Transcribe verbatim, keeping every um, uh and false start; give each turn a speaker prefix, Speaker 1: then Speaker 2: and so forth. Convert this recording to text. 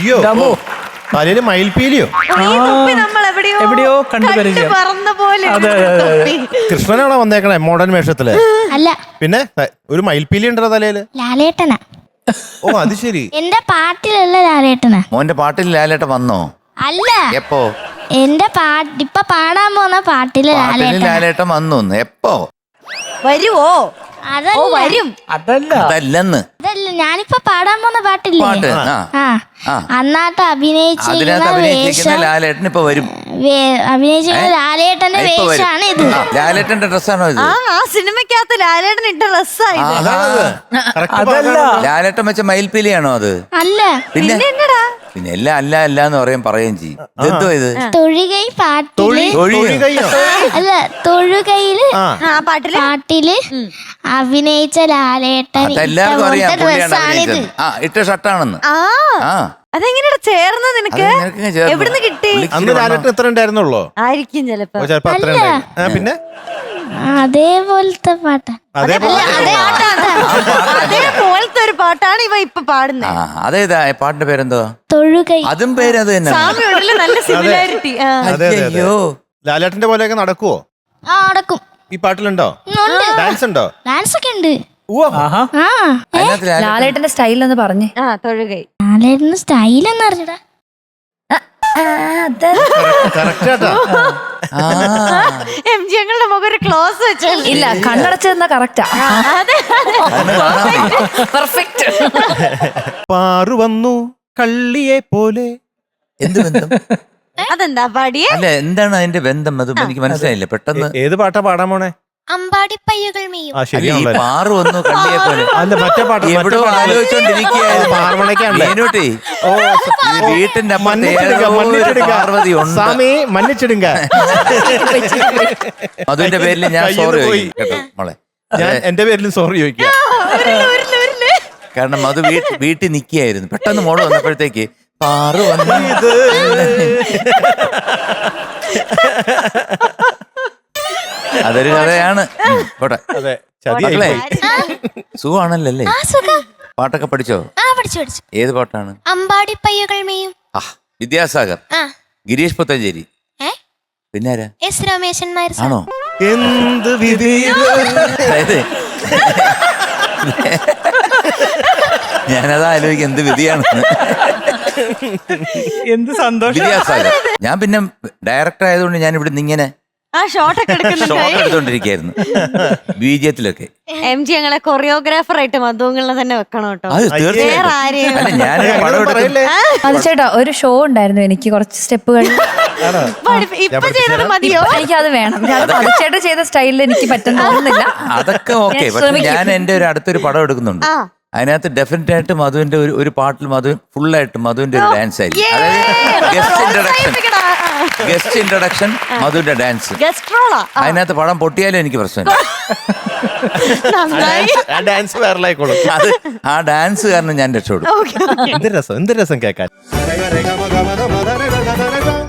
Speaker 1: അയ്യോ തലയില് മയിൽപീലിയോ
Speaker 2: നമ്മൾ എവിടെയോ
Speaker 3: എവിടെയോ കണ്ടുപരിചയം.
Speaker 2: പറന്ന പോലെ
Speaker 1: കൃഷ്ണനാണോ വന്നേക്കണേ മോഡേൺ വേഷത്തില്?
Speaker 4: അല്ല,
Speaker 1: പിന്നെ ഒരു മയിൽപീലി ഉണ്ടോ തലയില്?
Speaker 4: ലാലേട്ടനാ.
Speaker 1: ഓ അത് ശരി.
Speaker 4: എന്റെ പാട്ടിലുള്ള ലാലേട്ടനാ.
Speaker 5: മോന്റെ പാട്ടിൽ ലാലേട്ടൻ വന്നോ?
Speaker 4: അല്ല,
Speaker 5: എപ്പോ?
Speaker 4: എന്റെ പാട്ട് ഇപ്പൊ പാടാൻ പോകുന്ന പാട്ടില്
Speaker 5: പാട്ടിൽ
Speaker 4: ലാലേട്ടൻ.
Speaker 5: ലാലേട്ടൻ വന്നു. എപ്പോ
Speaker 2: വരുവോ?
Speaker 4: അതല്ല,
Speaker 2: വരും.
Speaker 3: അതല്ല
Speaker 5: അതല്ലെന്ന്
Speaker 4: അതല്ല ഞാനിപ്പോ പാടാൻ പോകുന്ന പാട്ടില്ലേ?
Speaker 5: പാട്ട് ആ
Speaker 4: ആ
Speaker 5: ആ.
Speaker 4: അന്നാട്ട് അഭിനയിച്ചിരിക്കുന്ന
Speaker 5: അതിനകത്ത് അഭിനയിച്ചിരിക്കുന്ന
Speaker 4: വേഷം,
Speaker 5: ലാലേട്ടൻ ഇപ്പൊ വരും.
Speaker 4: വേ- അഭിനയിച്ചിരിക്കുന്ന ലാലേട്ടന്റെ
Speaker 5: ഇപ്പൊ വരും.
Speaker 4: വേഷമാണ് ഇത്.
Speaker 5: ആ, ലാലേട്ടന്റെ ഡ്രസ്സാണോ ഇത്?
Speaker 2: ആ ആ സിനിമയ്ക്കകത്ത് ലാലേട്ടൻ ഇട്ട ഡ്രസ്സായത്.
Speaker 1: അതാണത്. Correct
Speaker 3: അതല്ല.
Speaker 1: പാട്ടാണ്.
Speaker 5: ലാലേട്ടൻ വെച്ച മയിൽപ്പീലിയാണോ അത്?
Speaker 4: അല്ല,
Speaker 5: പിന്നെ
Speaker 2: എന്നടാ
Speaker 5: പിന്നെ എല്ലാം അല്ല അല്ല എന്ന് പറയും പറയുകയും ചെയ്യും. ഇതെന്തോ ഇത്?
Speaker 4: തൊഴുകൈ പാട്ടില്
Speaker 1: തൊഴി
Speaker 5: തൊഴിയോ?
Speaker 1: തൊഴി കയ്യോ?
Speaker 4: അല്ല, തൊഴുകയില്
Speaker 1: ആ
Speaker 2: ആ പാട്ടില്
Speaker 4: പാട്ടില് അഭിനയിച്ച ലാലേട്ടൻ ഇട്ട
Speaker 5: അതെല്ലാവർക്കും അറിയാം
Speaker 4: പോലത്തെ
Speaker 5: പുള്ളിയാണ്
Speaker 4: ഡ്രസ്സാണിത്.
Speaker 5: അഭിനയിച്ചത്. ആ ഇട്ട ഷർട്ടാണെന്ന്.
Speaker 2: ആ
Speaker 5: ആ
Speaker 2: അതെങ്ങനെയാ ചേർന്ന് നിനക്ക്?
Speaker 5: അത് നിനക്കിങ്ങനെ ചേർന്നു.
Speaker 2: എവിടുന്ന് കിട്ടി?
Speaker 5: പുള്ളിക്ക്
Speaker 1: അന്ന്
Speaker 5: ഇച്ചിരി
Speaker 1: ലാലേട്ടൻ എത്ര ഉണ്ടായിരുന്നുള്ളോ?
Speaker 2: ആയിരിക്കും ചിലപ്പോ.
Speaker 1: ഓ, ചിലപ്പോ അത്ര ഉണ്ടായിരുന്നു. ആ, പിന്നെ
Speaker 4: അതേപോലത്തെ പാട്ടാ.
Speaker 1: അതേപോലെ
Speaker 2: അതേപോലത്തെ ഒരു പാട്ടാണ് ഇവ ഇപ്പൊ പാടുന്നത്.
Speaker 5: ആ അതേതാ പാട്ടിന്റെ പേരെന്തോ?
Speaker 4: തൊഴുകൈ.
Speaker 5: അതും പേര് അത് തന്നെ.
Speaker 2: സാമ്യമുണ്ടല്ലോ, നല്ല സിമിലാരിറ്റി.
Speaker 1: അതെ അതെ അതെ.
Speaker 5: അയ്യോ
Speaker 1: ലാലേട്ടന്റെ പോലെയൊക്കെ നടക്കുവോ
Speaker 4: ആ, അടക്കും.
Speaker 1: ഈ പാട്ടിലുണ്ടോ?
Speaker 4: ഉണ്ട്.
Speaker 1: ഡാൻസ് ഉണ്ടോ?
Speaker 4: ഡാൻസ് ഒക്കെ ഉണ്ട്.
Speaker 1: ഉവ്വ.
Speaker 3: ആഹാ
Speaker 4: ആ
Speaker 5: അതിനകത്ത് ലാലേട്ടൻ
Speaker 6: ലാലേട്ടന്റെ സ്റ്റൈൽ എന്ന് പറഞ്ഞേ.
Speaker 2: ആ തൊഴുകൈ.
Speaker 4: ലാലേട്ടന് സ്റ്റൈൽ എന്ന് അറിഞ്ഞടാ.
Speaker 1: Correct ആട്ടാ.
Speaker 5: ആ
Speaker 2: എം ജി ഞങ്ങളുടെ മുഖം ഒരു ക്ലോസ് വെച്ചാൽ
Speaker 6: ഇല്ല, കണ്ണടച്ചെന്ന കറക്റ്റാ.
Speaker 5: കണ്ണ് കാണാൻ വയ്യ.
Speaker 6: പെർഫെക്റ്റ്.
Speaker 1: പാറു വന്നു കള്ളിയെ പോലെ.
Speaker 5: എന്ത് ബന്ധം?
Speaker 2: അതെന്താ പാടിയേ?
Speaker 5: അല്ല എന്താണ് അതിന്റെ ബന്ധം? അത് എനിക്ക് മനസ്സിലായില്ല പെട്ടെന്ന്.
Speaker 1: ഏ- ഏത് പാട്ടാ പാടാൻ പോണേ?
Speaker 4: അമ്പാടിപ്പയ്യകൾ മെയ്യും.
Speaker 1: ആ
Speaker 5: അല്ല, ഈ
Speaker 1: ശരിയാണല്ലോ.
Speaker 5: പാറു വന്നു കള്ളിയെ പോലെ.
Speaker 1: അല്ല മറ്റേ പാട്ട്
Speaker 5: എവിടോ ആലോചിച്ചോണ്ടിരിക്കുകയായിരുന്നു.
Speaker 1: പാർവണയ്ക്കാണല്ലേ?
Speaker 5: മീനൂട്ടി,
Speaker 1: ഓ
Speaker 5: ഇത് വീട്ടിന്റെ അപ്പുറത്ത്
Speaker 1: മന്നിച്ചിടുക
Speaker 5: ഏതോ ഒരു
Speaker 1: മന്നിച്ചിടുക
Speaker 5: പാർവതി ഉണ്ട്.
Speaker 1: സ്വാമി മന്നിച്ചിടുക.
Speaker 5: അതിന്റെ പേരിൽ ഞാൻ
Speaker 1: കയ്യിന്ന്
Speaker 5: സോറി
Speaker 1: പോയി.
Speaker 5: കേട്ടോ മോളെ.
Speaker 1: ഞാൻ എന്റെ പേരിലും സോറി ചോദിക്കാം.
Speaker 5: കാരണം അത് വീട്ടിൽ വീട്ടിൽ നിൽക്കുകയായിരുന്നു. പെട്ടെന്ന് മോള് വന്നപ്പോഴത്തേക്ക് പാറു വന്നു. അതൊരു കഥയാണ്. ഉം, പോട്ടെ.
Speaker 1: അതെ ചതിയായി
Speaker 5: മക്കളെ
Speaker 1: പോയി.
Speaker 5: സുഖമാണല്ലോ അല്ലേ?
Speaker 4: ആ സുഖം.
Speaker 5: പാട്ടൊക്കെ പഠിച്ചോ?
Speaker 4: ആ പഠിച്ചു പഠിച്ചു.
Speaker 5: ഏത് പാട്ടാണ്?
Speaker 4: അമ്പാടിപ്പയ്യകൾ മെയ്യും.
Speaker 5: ആ വിദ്യാസാഗർ,
Speaker 4: ആ
Speaker 5: ഗിരീഷ് പുത്തഞ്ചേരി,
Speaker 4: ഏ
Speaker 5: പിന്നെ ആരാ?
Speaker 4: S Rameshan Nair sir.
Speaker 5: ആണോ?
Speaker 1: എന്ത് വിധി.
Speaker 5: അതായത് ഞാനതാ ആലോചിക്കും എന്ത് വിധിയാണെന്ന്.
Speaker 3: എന്ത് സന്തോഷം.
Speaker 5: വിദ്യാസാഗർ. ഞാൻ പിന്നെ ഡയറക്ടർ ആയതുകൊണ്ട് ഞാൻ ഇവിടുന്ന് ഇങ്ങനെ
Speaker 2: ആ ഷോട്ടൊക്കെ
Speaker 5: ഷോട്ട്
Speaker 2: എടുക്കുന്നുണ്ടായി.
Speaker 5: എടുത്തോണ്ടിരിക്കായിരുന്നു ബീജത്തിലൊക്കെ.
Speaker 2: എം ജി ഞങ്ങളെ കൊറിയോഗ്രാഫർ ആയിട്ട് മധുങ്ങളെ തന്നെ വെക്കണം കേട്ടോ.
Speaker 5: അത്
Speaker 2: വേറെ
Speaker 5: തീർച്ചയായിട്ടും.
Speaker 2: ആരെയും
Speaker 5: അല്ല ഞാൻ
Speaker 1: അങ്ങനെ
Speaker 5: പടം എടുക്കും.
Speaker 1: പറയല്ലേ?
Speaker 6: അത് ചേട്ടാ, ഒരു ഷോ ഉണ്ടായിരുന്നു എനിക്ക് കുറച്ച് സ്റ്റെപ്പുകൾ.
Speaker 1: ആണോ?
Speaker 2: പഠിപ്പി- ഇപ്പൊ ചെയ്തത് മതിയോ?
Speaker 6: എനിക്ക് അത് വേണം. അത് മതിച്ചേട്ട ചെയ്ത സ്റ്റൈലിൽ എനിക്ക് പറ്റുന്ന തോന്നുന്നില്ല.
Speaker 5: അതൊക്കെ ഓക്കെ.
Speaker 6: ഞാൻ
Speaker 5: പക്ഷെ
Speaker 6: ശ്രമിക്കും.
Speaker 5: ഞാൻ എന്റെ ഒരു അടുത്തൊരു പടം എടുക്കുന്നുണ്ട്.
Speaker 2: ആ.
Speaker 5: അതിനകത്ത് ഡെഫിനറ്റ് ആയിട്ട് മധുവിന്റെ ഒരു ഒരു പാട്ടിൽ മധു ഫുള്ളായിട്ട് മധുവിന്റെ ഒരു ഡാൻസ് ആയിരിക്കും. അതായത് ഗസ്റ്റ് ഇൻട്രഡക്ഷൻ ഗസ്റ്റ് ഇൻട്രഡക്ഷൻ മധുവിന്റെ ഡാൻസ്.
Speaker 2: ഗസ്റ്റ് റോളാ.
Speaker 5: അതിനകത്ത് പടം പൊട്ടിയാലും എനിക്ക് പ്രശ്നമില്ല.
Speaker 2: നന്നായി.
Speaker 1: ആ ഡാൻസ് വൈറലായിക്കോളും.
Speaker 5: അത് ആ ഡാൻസ് കാരണം ഞാൻ രക്ഷപ്പെടും.
Speaker 2: Okay okay.
Speaker 1: എന്ത് രസം എന്ത് രസം കേൾക്കാൻ.